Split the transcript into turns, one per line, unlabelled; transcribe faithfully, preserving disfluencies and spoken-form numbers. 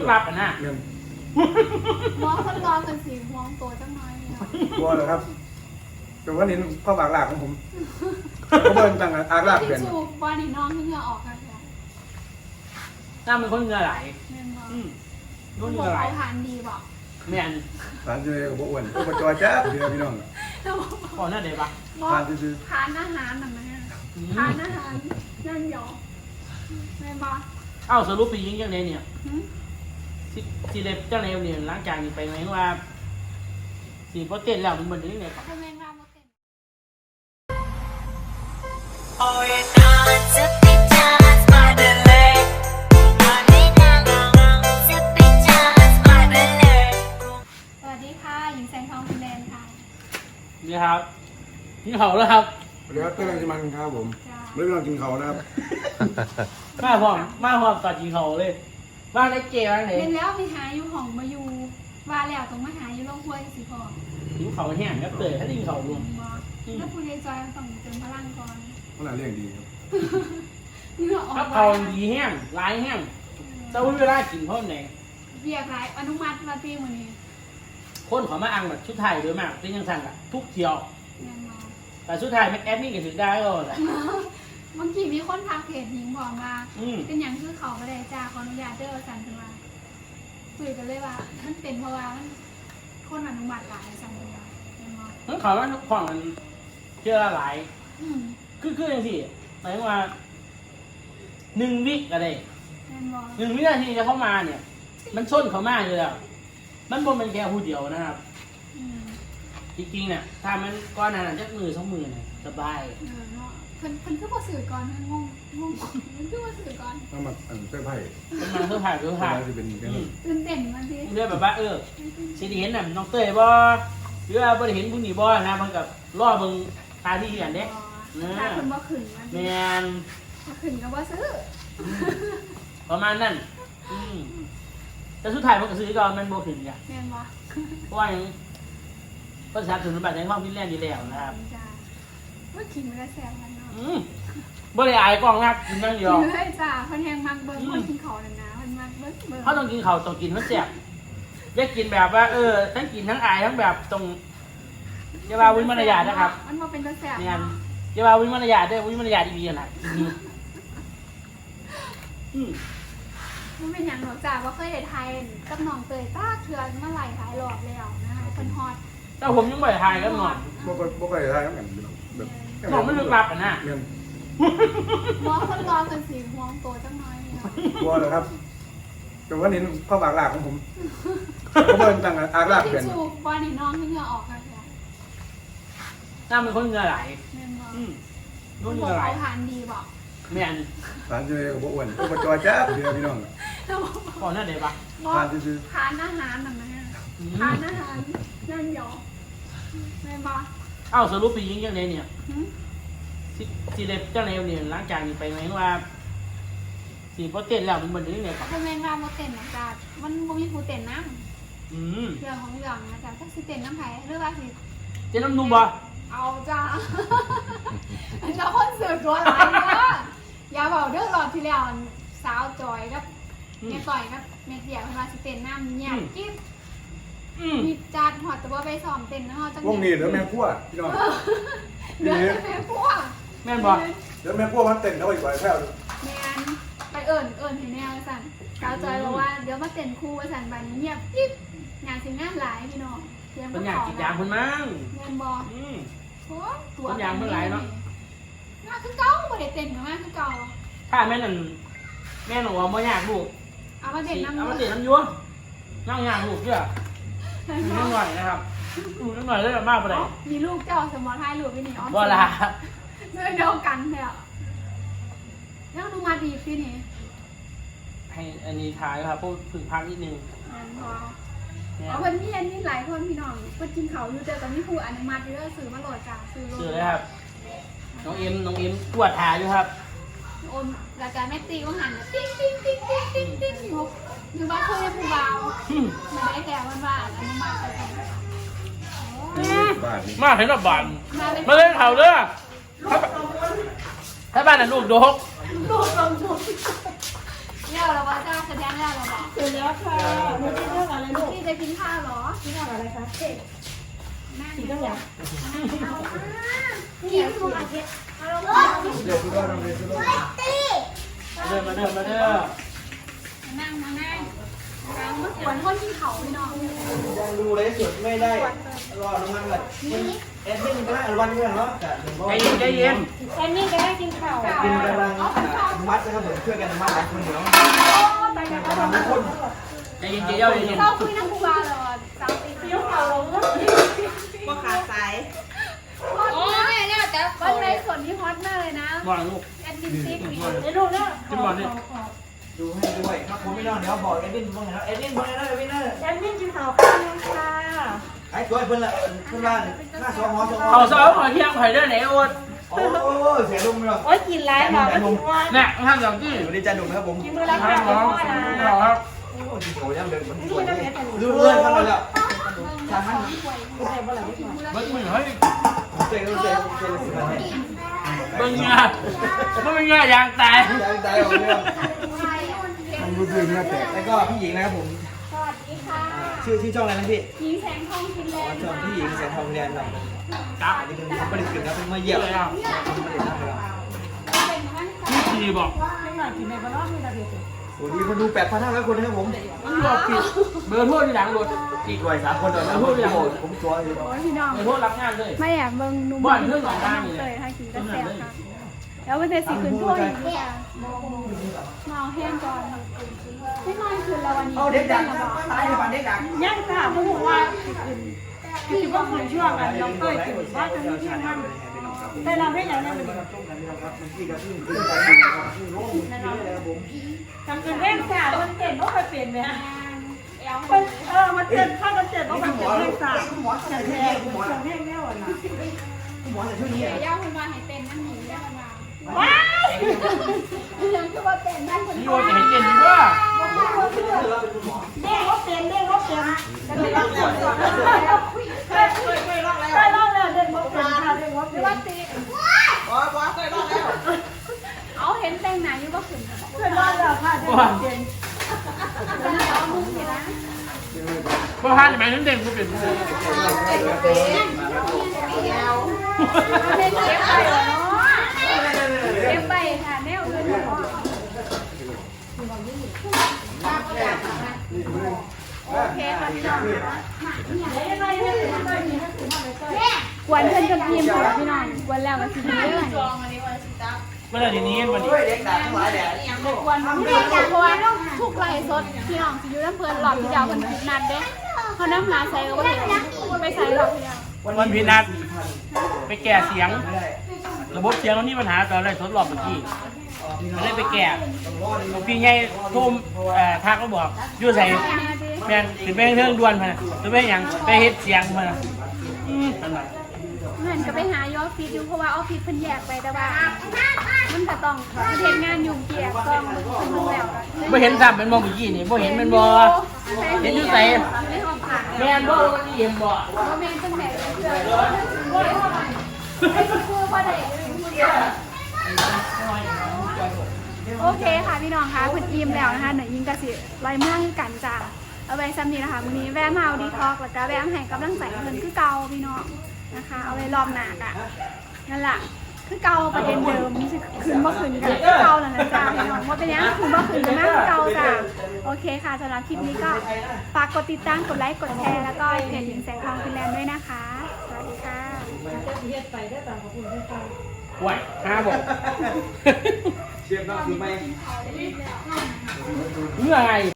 ลับอ่ะนะ
มองคนรอกันสิมองตัวจังน้อยเนี่ย
กลัวเหรอครับแต่ว่านี่ข้าวปากหลากของผมเขาเบิ่งต่างอากลากเปลี่ยน
ชูบอลนี่น้องที่เหงื่อออกกันเลย
น้าเป็นคนเหงื่อไหล
อืมคนเหงื่อไหลทานดีบอก
แม่น
ทานเจอกับอ้วนก็มาจอยแจ๊บเดียวพี่น้อง
ก่อนหน้าเดี๋ยวปะ
ทานซื้อ
ทานอาหารหน่อยไหมทานอาหารนั่งหยอกแม่บอก
เอ้าสรุปปียิงจังเลยเนี่ยสีเล็บจังเลยเนี่ยหลังจากนี้ไปไหมว่าสีโปรตีนแล้วมันเหมือนนี้เนี่ยครับ
แม่งว่าโปรตีนสวัสดีค่ะหญิงแสงทองฟินแลนด์ค่ะ
นี่ครับนี่เขาแล้วครับ
เดี๋ยวเต้นรังสิมันครับผมไม่ต้องกินเขานะครับ
มาพร้อมมาพร้อมตัดกินเขาเลยว่าได้เจว่าไหน
เป็นแล้วมีหาอยู่ห้องมาอยู่ว่าแล้วต้องมาหาอยู่โรงครัวสิพ่อ
กินเขาแห้งก็เตยถ้ากินเขารวม
แล้วผู้ใหญ่จอยต้องเติมพลังก่อน
ขนาดเรื่องดีครับ
ถ้าเขาดีแห้งร้ายแห้งจะวิ่งเวลากินเพราะไหน
เบียร์ไรอนุมัติมาตีมือนี้
คนขอมาอังแบบชุดไทยโดยมากเป็นยังสั่งอะทุกเที่ยวแต่ชุดไทยแม็กแอดนี่ก็ถือได้ก็แหละ
บางทีมีคนทักเพจหญิงบอกมาเป็นอย่างคือเขาไม่ได้จ้าขออนุญาตเด้อสั่งขึ้นมาคุยกันเลยว่ามันเป็นเพราะว่าคนอนุมัติหลายสั่งเลย
นั่นเขาว่าทุกของมันเชื่อหลายคือคืออย่างที่หมายว่าหนึ่งวิอะไรหนึ่งวินาทีจะเข้ามาเนี่ยมันส้นเขามากเลยแล้วมันบนเป็นแค่ผู้เดียวนะครับจริงๆเนี่ยถ้ามันก้อนนั้นจะมือสองมือเนี่ยสบาย
เพิ่นเพิ่นคือบ่สื่อก่อนงงงงมันคือบ่สื่อก่อน
ต้องมาอันเสื้อผ้า
เป็นมาเสื้อผ้าเสื้อผ้า
ตื่นเต้นมาสิ
เรื่องแบบว่าเออสิเห็นน่ะน้องเต้ยบ่หรือว่าบ่ได้เห็นผู้นี้บ่นะมันกับล่อเบิ่งตาที่เห็นเด้
ถ้าเพิ่นบ่ขึ้นมา
แม่น
บ่ขึ้นก็บ่ซื้อ
ประมาณนั้นอืมแต่สุดท้ายมันก็ซื้อก่อนมันบ่ขึ้นจ้ะ
แม่นบ่
เพราะว่าภาษาถึงบัตรในห้องฟินแลนด์อยู่แล้วนะครับ
ว่ากินมันก็แซ่บกันเนาะ
บ่ได้อายกล้องนักกินนั่งอยู่
เฮ้ยจ้าคนแหงมักเบิ้งคนกินเขาเลยนะคนมักเบิ้งเบิ้ง
เขาต้องกินเขาต้องกินมันแซ่บแยกกินแบบว่าเออทั้งกินทั้งอายทั้งแบบตรงเยาวาวิมารยานะครับ
มันมาเป็นกระแส
เนี่ยเยาวาวิมารยาด้วยวิมารยาดีๆนะ
มันเป็นอย่างหนูจ้าว่าเคยได้ไทยกับน้องเตยต้าเทือนเมื่อไหร่หลายรอบแล้วนะคะเป็นฮอต
แต่ผมยังไม่ได้ไทยกับน้อง
บ่บ่บ่เคยทายกับกันแบบ
น้องไม่ลึกลับอ่ะนะ
มองคนรอกันสิมองตัวจังน้อยเนี่ย
กลัวเหรอครับแต่ว่านี่ข้าวปากหลากของผมเขาเบิ่งต่างอากลากเปลี่ยน
ชูบอลนี่น้องที่เหงื่อออกกันเลย
น้าเป็นคนเหงื่อไหล
อืมคนเหงื่อไหลทานดีบอก
แม่น
ทานเจอกับอ้วนก็มาจอยแจ๊บเดียวพี่น้อง
ก่อนหน้าเดี๋ยวปะ
ทานซื้อ
ทานอาหารหน่อยไหมทานอาหารนั่งหยอกแม่บอก
เอ้าสรุปปียิงจังเลยเนี่ยสีเล็บจังเลยเนี่ยหลังจากนี้ไปไหมว่าสีโปรตีนแล้วมันเหมือนนี้เนี่ยครับ
แม่งว่าโปรตีนนะจ๊ะมันมันมีโปรตีนน้ำเรื่องของเรื่องนะจ๊ะถ้าสีเต็นน้ำไผ่หรือว่าสี
เจน้ำนุ่มบ่
เอาจ้าเราคนเสือตัวหลายเนาะอย่าบอกเรื่องรอบที่แล้วสาวจอยกับแม่ก่อยกับแม่เดี่ยวมาสีเต็นน้ำเนี่ยกิ๊บมีจานหอดแต่ว่าไปสอมเต็นนะฮะจัง
วงนี้เดี๋ยวแม่พั่วพี่น้อง
เดี๋ยวแม่พั่ว
แม่นบ่
เดี๋ยวแม่พั่วมันเต็นเขาอีกบ่อยแค่
แม่นไปเอิญเอิญเห็นแนวสั่นสาวจอยบอกว่าเดี๋ยวมาเต็นคู่สั่นบันเงียบกิ๊บงานสิงานหลายพี่น้อง
เป็นงานกิจยางคนมั้ง
แม่นบ่
ตัวตัวอย่างเมื่อไรเนาะ
งานคือเก่าบ่ได้เต็นมากคือเก่า
ถ้าแม่นั่นแม่หนูว่าไม่อยากลูก
เอามาเต็นน้ำ
เอามาเต็นน้ำยั่วนั่งอยากลูกเยอะดูนิดหน่อยนะครับดูนิดหน่อยได้มากไปเลย
มีลูกเจ้าสมอไทยหรือพี่นี่อ๋อ
บ่ละ
เนื้อเดียวกันเลยอ่ะแล้วดูมาดีพี่นี่
ให้อันนี้ถ่ายครับพูดถึงพักนิดนึง
เอาเพื่อนพี่อันนี้หลายคนพี่น้องเพื่อนกินเขาอยู่เจอแต่นี่ครูอนุมัติเยอะสื่อมาโหลดจ้าสื่อโหลด
สื่อเลยครับน้องเอ็มน้องเอ็มตรวจถ่ายอยู่ครับ
โอนรายการแม่ตีก็หันติ๊งติ๊งติ๊งติ๊งติ๊งติ๊งอยู่อยู่บ้านเคยผู้เบาไม่ได้แต่วันบ้านอนุมัติ
มาเห็นแบบบ้านมาเล่นเขาเด้อถ้าบ้านน่ะลูกโดก
ลูกลงทุนเลี้ยวเราว่าจ้าแสดงแล้วเราบอก
เสร็จแล้วค่ะหนูกินเรื่องอะไรลูก
พี่จะกินข้าวเหรอ
กินเรื่องอะไรคะเด็ก
นั่ง
กินเรื่องอย่าง
กินทุกอาทิตย์เอาลงมา
เดี๋ยวคุณว่าเราเรียนคุณว่า
เดินมาเดินมาเดิน
นั่งมานั่งนั่งเมื่อขวนคนที่เขาพี่น้อง
ยังดูเลยสุดไม่ได้รอน้ำมันเลยเอ็ดวิ่งก็ได้วันนี้เนาะ
ใจเย็นใจเย็น
แอนนี่ก็ได้กินข้าว
กินกำลังมัดนะครับผมช่วยกันมัดหลายคนเนาะ
ไปกันก็ทำคน
ใจเย็นใจเย็นใจเย็น
เราคุยนั่งคุยเหรอสาวตี
เที่ยวข่าวลงก็
ก็ขาดสาย
โอ้ยเนี่ยแต่วันในส่วนที่ฮอตมากเลยนะ
บอลลูก
แอดมินซิกนี่
ไอ้ลูกเนี่ย
ดูให้ด้วยครับผมไม่นอนเดี๋ยวบอกเอ็ดวิ่งบ้างนะเอ็ดวิ่งบ้างนะเอ็ดวิ่งนะ
แอนนี่กินข้าวข้าวนึงค่ะ
ไอ้ตัวเพื่อนละเพื่อนบ้านหน้าสองหอสองหอ
เขาซ้อมหอยเที่ยงหอยได้ไหนโอ๊ต
โอ้เสียลุงเลย
โอ๊ยกินไรหรอก็กินว่า
เนี่ยท่านสองที่
สวัสดีจ้าหนุ่มครับผม
กินมือละ
ท่า
ข้าวน
น้
ก็
อง
พอนะ
ครับ
โอ้ยโหยังเดินมันสวยดูเลื่อนกันเลยอ่ะทางนั้น
ไม่ได้บ่หลังไม่พอ
เบิ้งมือเฮ้ย
เจ๊ก็เจ๊เจ๊สิบวัน
เบิ้งเงาเบิ้งเงายางแตก
ใจใจเอาเรื่อง
มันรู้สึกน่าแตก
แล้วก็พี่หญิงนะครับผม
สวัสดีค่ะ
ชื่อที่ช่องอะไรนะพี่
หญิงแสงทองฟินแลนด์
ช่องพี่หญิงแสงทองแดนเรา
จับ
อันนี้เป็นผลิตขึ้นครับเป็นมาเยี่ยม
เลย
ผ
อ่ะ
ลิตขึ้นครับ
เป็นมัน
พี่ทีบอก
ไม่หน่อยกินในบ้านนอกมีระเบียบ
โอ้ดีคนดูแปดพันห้าร้อยคนนะครับผม
มันบอกผิดเบอร์โทษที่หลังรถ
อีกหน่อยสามคนเดี๋ยวนะพูดอย่างผมตัวอยู่
โอ้ยพี่น้อง
เบอร์โทษรับงานเลย
ไม่แอบเบิ่งนุ่ม
บ่อนเรื่องของบ้านนี่
เล
เลย ย
ถ้ากินก็แซ่บค่ะแล้วมันจะสิขึ้นถ้วยอีกเนี่ยเมาแห้งก่อนไม่นอนคืนละวันนี้
เอาเด็กดังตายในบ้านเด็กดัง
ย่างค่ะผู้บอกว่าคือว่าคนช่วงกันเราเคยกินว่าจะมีที่มันแต่เราไม่อย่างนั้นเลยจำเป็นเรื่องสาวมันเต้นว่าไปเปลี่ยนไหมฮะ
แอล
มันเออมันเต้นข้าวมันเต้นว่าไปเปลี่ยนเรื่องสาวแต่แท้คุณหมอแท้แน่วนะ
หมอใส่ชุดนี้
เดี๋ยวย่าคุณมาให้เต้นนั่นหนีย่าคุณมา
ว้าย
เรื่องคือว่าเต้นนั่นคน
พี่โอ๊ตจะเห็นเย็นดีว่า
เด้งว่าเปลี่ยนเด้งว่าเปลี่ยนจะไปลองแล้วเคยเคยเคยลองแล้วเคยลองแล้วเด้งว่าเปลี่ยนค่ะเด้งว่าเปลี่ย
ว่าน ตี
ว้าวว้าวเคยรอดแล้ว
เอาเห็นแต่งหนาอยู่ว่าขึ้น
เคยลองแล้วค่ะเด้งว่าเปลี่ยน
เอามึงเห็นนะ
เพราะท่านหมายถึงเด็กกูเป็นผู้
เล่นเก็บไปเหรอเนาะเก็บไปค่ะแนวอื่นเนาะโอเคค่ะพี่น้องกวนเพื่อนกับทีมค่ะพี่น้องกวนแล้วก็สิเรื่อง
เมื่อไหร่ทีนี้วันนี้
เด็กดังทั้งหลายแดด
กวนพี่น้องเพราะว่าทุกไลฟ์สดพี่น้องสิอยู่น้ำเพลินหลอดที่เดียวเพิ่นนัดเด้เขาน้ำหาใส่ก็บ่เห็นไปใส่หลอดที่เดียว
วันพีนัดไปแก่เสียง ระบบเสียงมันมีปัญหาตอนแรกทดลองเมื่อกี้มันเลยไปแก่พี่ใหญ่ทุ่มเอ่อทักก็บอกอยู่ใส่แมนถึงไปเรื่องด่วนพะนะจะไปหยังไปเฮ็ดเสียงพะนะอืมนั่นแหละ
เหมือนก็ไปหายออฟฟิศอยู่เพราะว่าออฟฟิศเพิ่นแยกไปแต่ว่ามันก็ต้องเฮ็ดงานยุ่งเกี่ยวต้องเพิ่นแล้ว
ไม่เห็นซ้ำเป็นมองเมื่อกี้นี่ไม่เห็นเป็นบ่เห็นอยู่ใส่
ในห้องขัง
แมนบ่วันนี้เห็นบ่
บ่แม่นจังได๋เกิดบ่ได้ว่าคือบ่ได้โอเคค่ะพี่น้องคะเพิ่นอิ่มแล้วนะคะหนูยิงก็สิลอยเมืองกันจ้าเอาไว้ซ้ำนี้นะคะมื้อนี้แวะมาเอาดีท็อกแล้วก็แวะให้กำลังใจเพิ่นคือเก่าพี่น้องนะคะ เอาไว้รอบหน้าอ่ะนั่นล่ะคือเก่าประเด็นเดิมสิคืนบ่คืนกันคือเก่าแล้วนะจ้าพี่น้องว่าเป็นยังคืนบ่คืนกันมากคือเก่าจ้าโอเคค่ะสำหรับคลิปนี้ก็ฝากกดติดตามกดไลค์กดแชร์แล้วก็เพจหญิงแสงทองฟินแลนด์ด้วยนะคะสวัสดีค่ะ
จะเฮ็ดไปได้ตามขอบคุณที่ฟัง
ไหวห้าบอก
เชียบน้องคือไม่
เมื่อไง